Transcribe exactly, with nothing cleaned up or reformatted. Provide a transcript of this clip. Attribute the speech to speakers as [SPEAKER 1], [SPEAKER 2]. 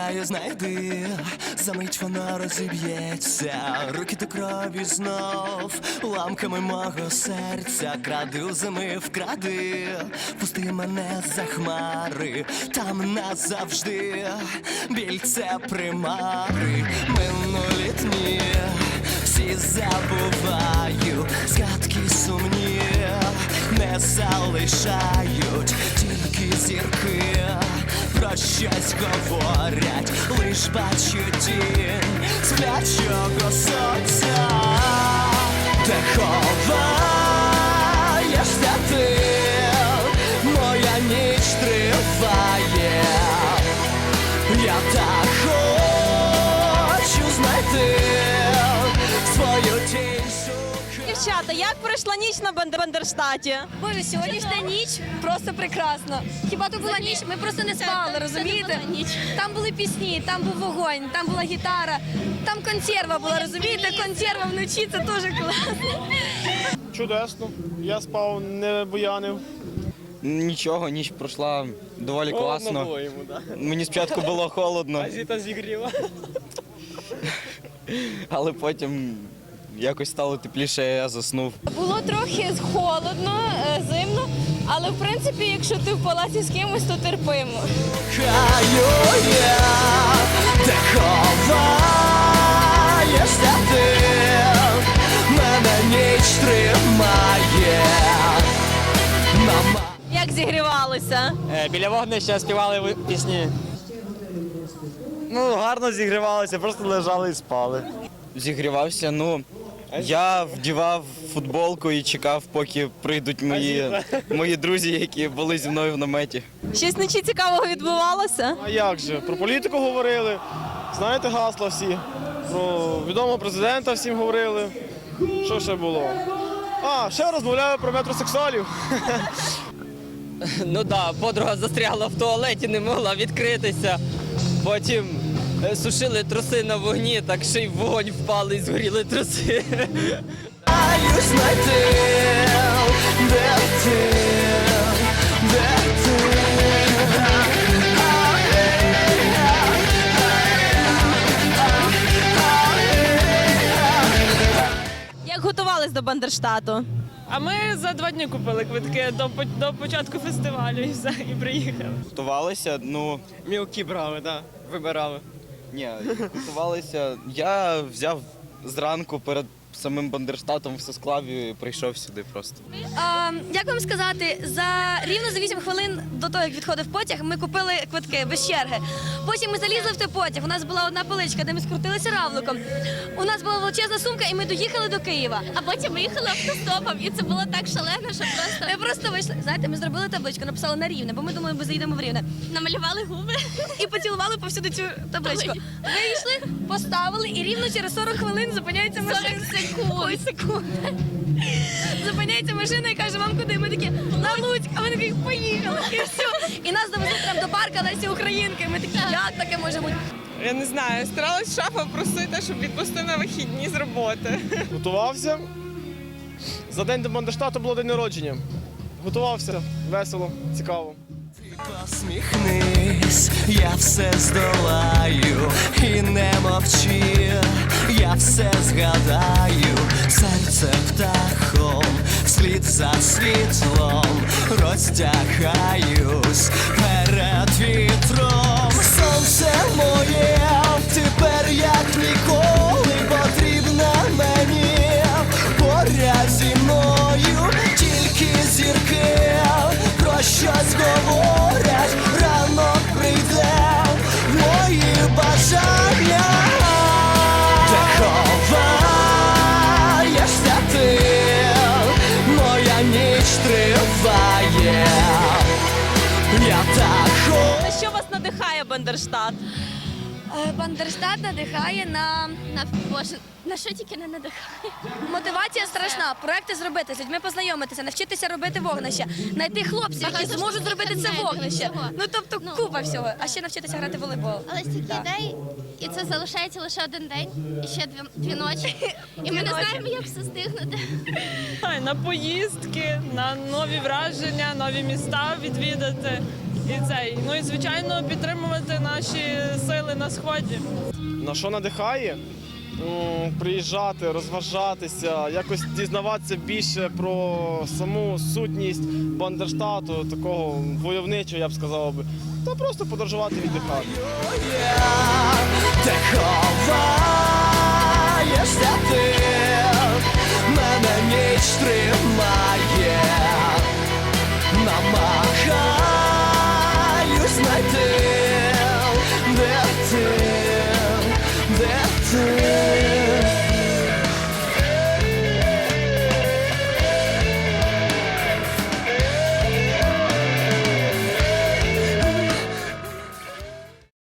[SPEAKER 1] Кохаю, знайди, за мить вона розіб'ється, руки до крові знов, ламками мого серця, кради у зими вкради, пусти мене за хмари, там назавжди, біль це примари, минулі дні, всі забуваю, згадки сумні, не залишають, тільки зірки про щось говорять, лиш бачу тінь сплячого сонця, де ховаєшся ти, моя ніч триває, я так хочу знайти свою тінь.
[SPEAKER 2] Дівчата, як пройшла ніч на Бандер- Бандерштаті?
[SPEAKER 3] Боже, сьогоднішня ніч просто прекрасна. Хіба то була ніч? Ми просто не спали, розумієте? Там були пісні, там був вогонь, там була гітара, там консерва була, розумієте? Консерва вночі, це дуже класно.
[SPEAKER 4] Чудесно. Я спав, не буянив.
[SPEAKER 5] Нічого, ніч пройшла доволі класно.
[SPEAKER 4] Було йому, да.
[SPEAKER 5] Мені спочатку було холодно,
[SPEAKER 4] А зіта зігріла.
[SPEAKER 5] але потім якось стало тепліше, я заснув.
[SPEAKER 3] Було трохи холодно, е, зимно, але в принципі, якщо ти в палаці з кимось, то терпимо.
[SPEAKER 1] Кохаю я, де ховаєшся ти, мене ніч тримає. Мама.
[SPEAKER 2] Як зігрівалися?
[SPEAKER 4] Біля вогнища співали пісні. Ну, гарно зігрівалися, просто лежали і спали.
[SPEAKER 5] Зігрівався, ну, я вдівав футболку і чекав, поки прийдуть мої, мої друзі, які були зі мною в наметі.
[SPEAKER 2] Щось вночі цікавого відбувалося?
[SPEAKER 4] А як же? Про політику говорили, знаєте гасла всі. Про відомого президента всім говорили. Що ще було? А, ще розмовляю про метросексуалів.
[SPEAKER 6] Ну так, подруга застрягла в туалеті, не могла відкритися. Потім е, сушили труси на вогні, так ще й в вогонь впали і згоріли труси.
[SPEAKER 1] Кохаю знайти, де ти, де ти.
[SPEAKER 2] Як готувались до Бандерштату?
[SPEAKER 7] А ми за два дні купили квитки до, по- до початку фестивалю і все, і приїхали.
[SPEAKER 5] Готувалися, ну,
[SPEAKER 4] Мілкі брали, так, вибирали.
[SPEAKER 5] ні, готувалися. Я взяв зранку перед самим Бандерштатом все склав і прийшов сюди просто.
[SPEAKER 3] А, як вам сказати, за рівно за вісім хвилин до того, як відходив потяг, ми купили квитки без черги. Потім ми залізли в той потяг. У нас була одна поличка, де ми скрутилися равликом. У нас була величезна сумка, і ми доїхали до Києва.
[SPEAKER 8] А потім ми їхали автостопом, і це було так шалено, що просто
[SPEAKER 3] Ми просто вийшли. Знаєте, ми зробили табличку, написали на Рівне, бо ми думали, ми заїдемо в Рівне.
[SPEAKER 8] намалювали губи.
[SPEAKER 3] І поцілували повсюди цю табличку. Вийшли, поставили, і рівно через сорок хвилин зупиняється машина.
[SPEAKER 8] сорок секунд.
[SPEAKER 3] Ой, секунд. Зупиняється машина і каже, вам куди? Ми такі, на Луцьк, а вони такі, поїхали. І все. І нас довезли прямо до парка Лесі Українки. Ми такі, як таке може бути?
[SPEAKER 7] Я не знаю, старалась шафа просити, щоб відпустив на вихідні з роботи.
[SPEAKER 4] Готувався. За день до Бандерштату було день народження. Готувався, весело, цікаво.
[SPEAKER 1] Посміхнись, я все здолаю, і не мовчи, я все згадаю, серце птахом, вслід за світлом, розтягаюсь перед вітром. Сонце моє, тепер як ніколи потрібна мені, поряд зі мною тільки зірки, про щось говорять, ранок прийде в мої бажання. Де ховаєшся ти, моя ніч триває, я так хочу.
[SPEAKER 2] На що вас надихає Бандерштат?
[SPEAKER 3] Е, Бандерштат надихає на
[SPEAKER 8] На Боже, на що тільки не надихає.
[SPEAKER 3] мотивація страшна. Проекти зробити, з людьми познайомитися, навчитися робити вогнище, знайти хлопців, які
[SPEAKER 8] Багато
[SPEAKER 3] зможуть зробити це
[SPEAKER 8] інструментів,
[SPEAKER 3] вогнище.
[SPEAKER 8] всього.
[SPEAKER 3] Ну тобто
[SPEAKER 8] Ну.
[SPEAKER 3] купа всього. А ще навчитися грати в волейбол.
[SPEAKER 8] Але стільки
[SPEAKER 3] Так.
[SPEAKER 8] ідей, і це залишається лише один день, і ще дві, дві ночі. І ми не
[SPEAKER 3] ночі.
[SPEAKER 8] знаємо, як все стигнути.
[SPEAKER 7] На поїздки, на нові враження, нові міста відвідати. І цей. Ну і звичайно підтримувати наші сили на сході.
[SPEAKER 4] На що надихає? М, Приїжджати, розважатися, якось дізнаватися більше про саму сутність Бандерштату, такого войовничого, я б сказав би. Та просто подорожувати, віддихати.
[SPEAKER 1] Ти ховаєшся ти, мене ніч тримає.